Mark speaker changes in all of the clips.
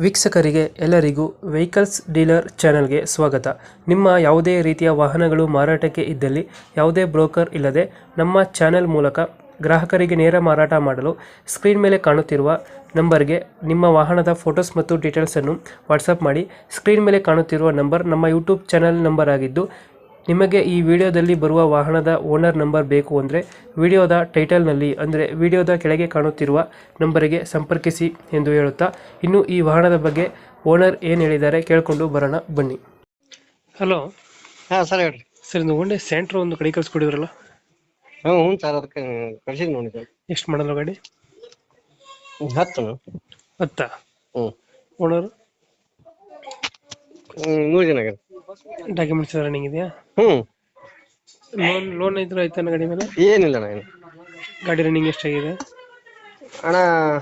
Speaker 1: ವೀಕ್ಷಕರಿಗೆ ಎಲ್ಲರಿಗೂ vehicles dealer ಚಾನೆಲ್ಗೆ ಸ್ವಾಗತ. ನಿಮ್ಮ ಯಾವುದೇ ರೀತಿಯ ವಾಹನಗಳು ಮಾರಾಟಕ್ಕೆ ಇದ್ದಲ್ಲಿ ಯಾವುದೇ ಬ್ರೋಕರ್ ಇಲ್ಲದೆ ನಮ್ಮ ಚಾನೆಲ್ ಮೂಲಕ ಗ್ರಾಹಕರಿಗೆ ನೇರ ಮಾರಾಟ ಮಾಡಲು ಸ್ಕ್ರೀನ್ ಮೇಲೆ ಕಾಣುತ್ತಿರುವ ನಂಬರ್ಗೆ ನಿಮ್ಮ ವಾಹನದ ಫೋಟೋಸ್ ಮತ್ತು ಡೀಟೇಲ್ಸನ್ನು ವಾಟ್ಸಪ್ ಮಾಡಿ. ಸ್ಕ್ರೀನ್ ಮೇಲೆ ಕಾಣುತ್ತಿರುವ ನಂಬರ್ ನಮ್ಮ ಯೂಟ್ಯೂಬ್ ಚಾನೆಲ್ ನಂಬರ್ ಆಗಿದ್ದು, ನಿಮಗೆ ಈ ವಿಡಿಯೋದಲ್ಲಿ ಬರುವ ವಾಹನದ ಓನರ್ ನಂಬರ್ ಬೇಕು ಅಂದರೆ ವಿಡಿಯೋದ ಟೈಟಲ್ನಲ್ಲಿ ಅಂದರೆ ವಿಡಿಯೋದ ಕೆಳಗೆ ಕಾಣುತ್ತಿರುವ ನಂಬರಿಗೆ ಸಂಪರ್ಕಿಸಿ ಎಂದು ಹೇಳುತ್ತಾ, ಇನ್ನು ಈ ವಾಹನದ ಬಗ್ಗೆ ಓನರ್ ಏನು ಹೇಳಿದ್ದಾರೆ ಕೇಳಿಕೊಂಡು ಬರೋಣ ಬನ್ನಿ. ಹಲೋ
Speaker 2: ಹಾಂ ಸರ್ ಹೇಳ್ರಿ.
Speaker 1: ಸರ್, ಇದು ಒಳ್ಳೆ ಸ್ಯಾಂಟ್ರೋ ಒಂದು ಕಡೆ ಕಳಿಸ್ಕೊಡಿದ್ರಲ್ಲ,
Speaker 2: ಹ್ಞೂ ಸರ್, ಅದಕ್ಕೆ ಕಳ್ಸಿದ್ ನೋಡಿ ಸರ್.
Speaker 1: ಎಷ್ಟು ಮಾಡಲ್ಲ ಗಾಡಿ?
Speaker 2: 10
Speaker 1: 10.
Speaker 2: ಹ್ಞೂ
Speaker 1: ಓನರ್
Speaker 2: 100 ಜನ ಆಗ್ಯಾರ.
Speaker 1: ಡಾಕ್ಯುಮೆಂಟ್ಸ್ ರನ್ನಿಂಗ್ ಇದೆಯಾ?
Speaker 2: ಹ್ಞೂ
Speaker 1: ಲೋನ್ ಇದ್ರೆ ಆಯ್ತಾನ ಗಾಡಿ ಮೇಲೆ?
Speaker 2: ಏನಿಲ್ಲ ಅಣ್ಣ, ಏನು
Speaker 1: ಗಾಡಿ ರನ್ನಿಂಗ್ ಎಷ್ಟಾಗಿದೆ
Speaker 2: ಅಣ್ಣ?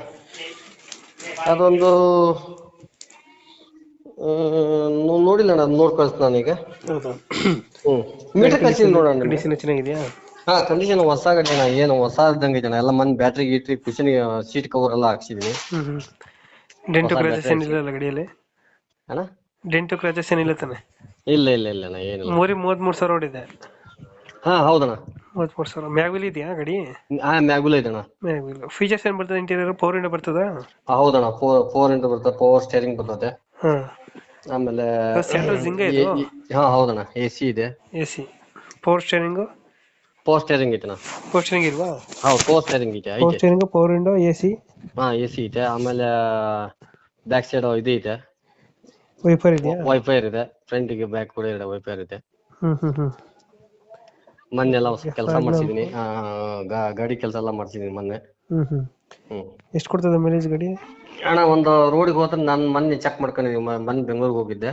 Speaker 2: ಅದೊಂದು ನೋಡಿಲ್ಲ ಅಣ್ಣ, ಅದು ನೋಡಿ ಕಳಿಸ್ತು ನಾನೀಗ.
Speaker 1: ಹೌದಾ?
Speaker 2: ಹ್ಞೂ ಮೀಟರ್ ಕಳ್ಸಿದ್ ನೋಡೋಣ.
Speaker 1: ಕಂಡೀಷನ್ ಚೆನ್ನಾಗಿದೆಯಾ?
Speaker 2: ಹಾಂ, ಕಂಡೀಷನ್ ಹೊಸ ಗಾಡಿ ಅಣ್ಣ, ಏನು ಹೊಸ ಇದ್ದಂಗೆ ಐತೆ ಅಣ್ಣ. ಎಲ್ಲ ಮನೆ ಬ್ಯಾಟ್ರಿ ಗೀಟ್ರಿ ಕುಷನ್ ಸೀಟ್ ಕವರ್ ಎಲ್ಲ ಹಾಕ್ಸಿದೀನಿ.
Speaker 1: ಡೆಂಟು ಕ್ರಾಚಸ್ ಏನಿಲ್ಲ ಗಾಡಿಯಲ್ಲಿ?
Speaker 2: ಅಣ್ಣ
Speaker 1: ಡೆಂಟು ಕ್ರಾಚಸ್ ಏನಿಲ್ಲ ತಾನೆ?
Speaker 2: ಇಲ್ಲ ಇಲ್ಲ ಇಲ್ಲ ಅಣ್ಣ, ಏನಿಲ್ಲ.
Speaker 1: 33,000 ಓಡಿದೆ.
Speaker 2: ಹಾಂ ಹೌದಣ್ಣ,
Speaker 1: 33,000. ಮ್ಯಾಗ್ವಿಲ್ ಇದೆಯಾ ಗಾಡಿ?
Speaker 2: ಹಾಂ ಮ್ಯಾಗುಲ್ ಐತಣ್ಣ.
Speaker 1: ಮ್ಯಾಗ್ವಿಲ್ ಫೀಚರ್ಸ್ ಏನ್ ಬರ್ತದೆ? ಇಂಟೀರಿಯರ್ ಪವರ್ ವಿಂಡೋ ಬರ್ತದ?
Speaker 2: ಹೌದಣ್ಣ, ಫೋರ್ ಇಂಟು ಬರ್ತದೆ, ಪವರ್ ಸ್ಟೇರಿಂಗ್ ಬರ್ತದೆ.
Speaker 1: ಹಾ.
Speaker 2: ಆಮೇಲೆ
Speaker 1: ಸೆಂಟ್ರಲ್ ಜಿಂಗ ಇದು?
Speaker 2: ಹಾ ಹೌದಣ್ಣ, AC ಇದೆ.
Speaker 1: AC. Power steering?
Speaker 2: Power steering ಐತೆಣ್ಣ.
Speaker 1: ಪವರ್ ಸ್ಟೇರಿಂಗ್ ಇಲ್ವಾ?
Speaker 2: ಹೌದು, ಪವರ್ ಸ್ಟೇರಿಂಗ್ ಇದೆ,
Speaker 1: ಪವರ್
Speaker 2: ಐತೆ.
Speaker 1: Steering, power window, AC.
Speaker 2: ಹಾ, AC ಇದೆ. ಆಮೇಲೆ ಬ್ಯಾಕ್ ಸೈಡ್ ಇದು ಇದೆ,
Speaker 1: ವೈಫರ್ ಇದೆಯಾ?
Speaker 2: ವೈಫೈರ್ ಇದೆ. ಫ್ರಂಟ್ ಗೆ ಬ್ಯಾಕ್ ಕೂಡ ಇದೆ, ವೈಫೈರ್ ಇದೆ. ಮೊನ್ನೆ ಎಲ್ಲ ಕೆಲಸ ಮಾಡ್ಸಿದೀನಿ, ಗಾಡಿ ಕೆಲಸ ಎಲ್ಲ ಮಾಡ್ಸಿದೀನಿ ಮೊನ್ನೆ.
Speaker 1: ಎಷ್ಟು ಕೊಡ್ತದೆ ಮೈಲೇಜ್ ಗಾಡಿ?
Speaker 2: ಅಣ್ಣ, ಒಂದು ರೋಡಿಗೆ ಹೋದ್ರೆ ನಾನು ಮೊನ್ನೆ ಚೆಕ್ ಮಾಡ್ಕೊಂಡಿದ್ದೀನಿ. ಮೊನ್ನೆ ಬೆಂಗಳೂರಿಗೆ ಹೋಗಿದ್ದೆ.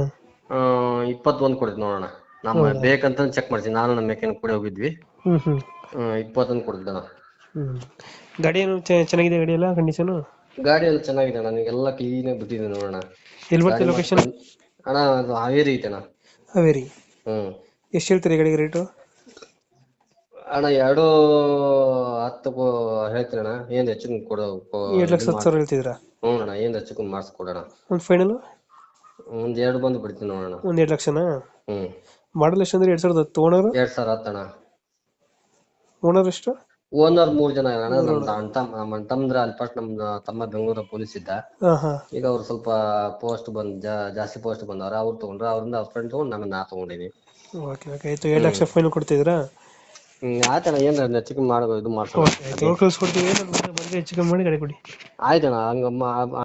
Speaker 2: 21 ಕೊಡ್ತೀನಿ ನೋಡೋಣ. ನಮ್ಮ ಬೇಕಂತ ಚೆಕ್ ಮಾಡ್ತೀನಿ, ನಾನು ನಮ್ಮ ಮೆಕ್ಯಾನಿಕ್ ಕೂಡ ಹೋಗಿದ್ವಿ. 21 ಕೊಡ್ತಿದ್ದಣ್ಣ.
Speaker 1: ಗಾಡಿ ಏನು ಚೆನ್ನಾಗಿದೆ? ಗಾಡಿ ಎಲ್ಲ ಕಂಡೀಷನ್?
Speaker 2: ಗಾಡಿ ಎಲ್ಲ ಚೆನ್ನಾಗಿದೆ ಅಣ್ಣ, ನಿಮಗೆಲ್ಲ ಕ್ಲೀನ್ ಆಗಿ ಬಿಟ್ಟಿದೆ ನೋಡೋಣ.
Speaker 1: ಎಲ್ಲಿ ಬರ್ತದೆ ಲೊಕೇಶನ್?
Speaker 2: ಅಣ್ಣ, ಅದು ಹಾವೇರಿ ಐತೆಣ್ಣ.
Speaker 1: ಹಾವೇರಿ. ಎಷ್ಟು ಹೇಳ್ತೀರಿ ಗಾಡಿಗೆ ರೇಟು?
Speaker 2: ಅಣ್ಣ 2.10 ಹೇಳ್ತೀನಿ ಅಣ್ಣ, ಏನ್ ಹೆಚ್ಚು ಕೊಡ.
Speaker 1: 2,10,000 ಹೇಳ್ತಿದ್ರಾ?
Speaker 2: ಹ್ಞೂ ಅಣ್ಣ, ಏನ್ ಹೆಚ್ಚು ಮಾಡಿಸ್ಕೊಡೋಣ.
Speaker 1: ಒಂದು ಫೈನಲ್?
Speaker 2: ಒಂದ್ 2 ಬಂದು ಬಿಡ್ತೀನಿ ನೋಡೋಣ.
Speaker 1: ಒಂದ್ 2 ಲಕ್ಷನಾ?
Speaker 2: ಹ್ಮ್.
Speaker 1: ಮಾಡಲ್ ಎಷ್ಟು ಅಂದ್ರೆ? 2010. ಓನರ್?
Speaker 2: 2010 ಅಣ್ಣ.
Speaker 1: ಓನರ್ ಎಷ್ಟು?
Speaker 2: ಓನರ್ 3 ಜನ ಅಣ್ಣ. ನಮ್ಮ ತಮ್ಮಂದ್ರ ಅಲ್ಲಿ ಫಸ್ಟ್ ನಮ್ ತಮ್ಮ ಬೆಂಗಳೂರ ಪೊಲೀಸ್ ಇದ್ದ. ಈಗ ಅವ್ರು ಸ್ವಲ್ಪ ಪೋಸ್ಟ್ ಜಾಸ್ತಿ ಪೋಸ್ಟ್ ಬಂದವ್ರ, ಅವ್ರು ತಗೊಂಡ್ರ. ಅವ್ರಿಂದ ಅವ್ರ ಫ್ರೆಂಡ್ ತಗೊಂಡು ನಾ ತಗೊಂಡಿನಿ.
Speaker 1: ಓಕೆ ಓಕೆ, ಆಯ್ತು. 2 ಲಕ್ಷ ಫೈನಲ್ ಕೊಡ್ತಿದ್ರಾ?
Speaker 2: ಆಯ್ತಣ್ಣ, ಏನ್ ಹೆಚ್ಚು ಕಮ್ಮಿ ಮಾಡೋ ಇದು ಮಾಡ್ಸೋಣ.
Speaker 1: ಕಳ್ಸ್ಕೊಡ್ತೀವಿ, ಹೆಚ್ಚು ಕಮ್ಮಿ ಮಾಡಿ ಗಾಡಿ ಕೊಡಿ.
Speaker 2: ಆಯ್ತಣ್ಣ, ಹಂಗ